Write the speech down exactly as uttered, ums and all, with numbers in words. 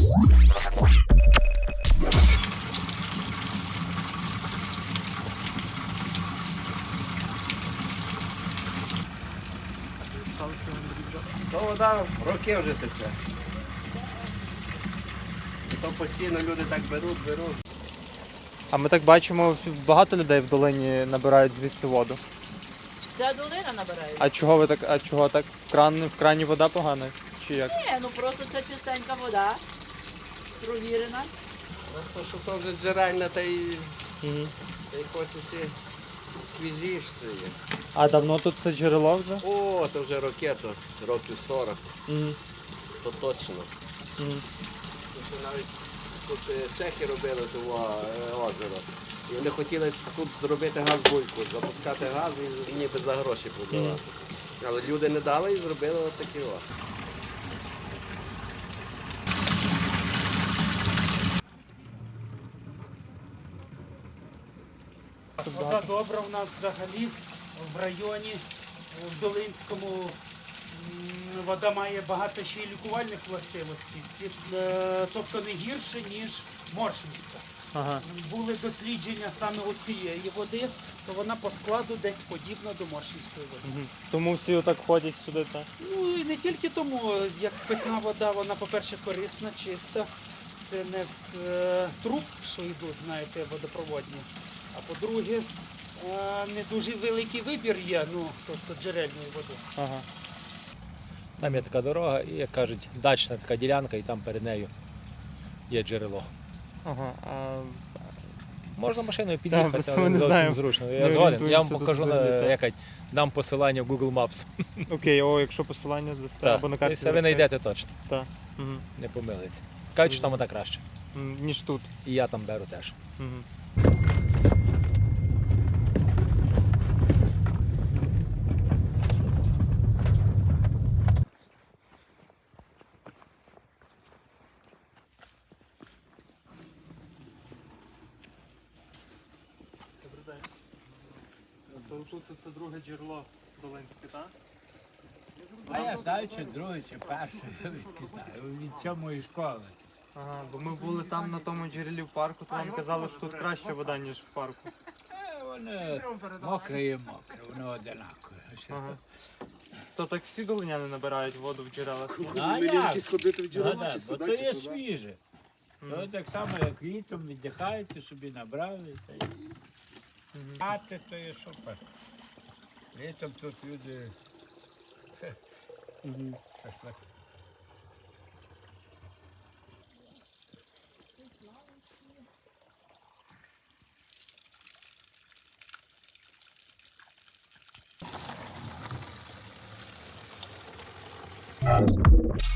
То вода роки вже тече. То постійно люди так беруть, беруть. А ми так бачимо, багато людей в долині набирають звідси воду. Вся долина набирає. А чого ви так, а чого так? В крані, в крані вода погана? Чи як? Ні, ну просто це чистенька вода, провірена. Просто що то вже джерельна, та й, Угу. та й хочеться свіжіше є. А давно тут це джерело вже? О, то вже роки, то років сорок, Угу. то точно. Угу. Тут навіть тут е, чехи робили того е, озеро. І вони хотіли тут зробити газ-бульку, запускати газ і ніби за гроші продавати. Але люди не дали і зробили отакі о. Вода добра в нас взагалі в районі, в Долинському. м, Вода має багато ще й лікувальних властивостей, Під- е, тобто не гірше, ніж Моршинська. Ага. Були дослідження саме у цієї води, то вона по складу десь подібна до Моршинської води. Угу. Тому всі отак ходять сюди, так? Ну і не тільки тому, як питна вода, вона, по-перше, корисна, чиста. Це не з е, труб, що йдуть, знаєте, водопроводні. А по-друге, е, не дуже великий вибір є, ну, тобто джерельної води. Ага. Там є така дорога і, як кажуть, дачна така ділянка, і там перед нею є джерело. Ага. А... Можна машиною під'їхати, просто але ми не не зовсім знаємо. зручно. Не Я згоден, я вам орієнтуємося тут покажу, взагалі, на, так. якать, дам посилання в Google Maps. Окей, о, якщо посилання дасте, Так, або на і карті. все ви знайдете точно, Так. Угу. не помилиться. Кажуть, що там ота краще. Ніж тут. І я там беру теж. Угу. Добрий день. То тут це друге джерело Долинське, так? А я знаю, чи друге, чи перше, я відки знаю, від сьомої школи. Ага, бо ми були там на тому джерелі в парку, то нам казали, що тут краща вода, ніж в парку. Е, Воно мокре і мокре, воно одинакове. Ага. То так всі долиняни набирають воду в джерелах? А як? Ну, да, бо то є свіже. То так само, як літом віддихаєте, собі набрали. Та й... А ти то є супер. Літом тут люди... шашлик. Thank you.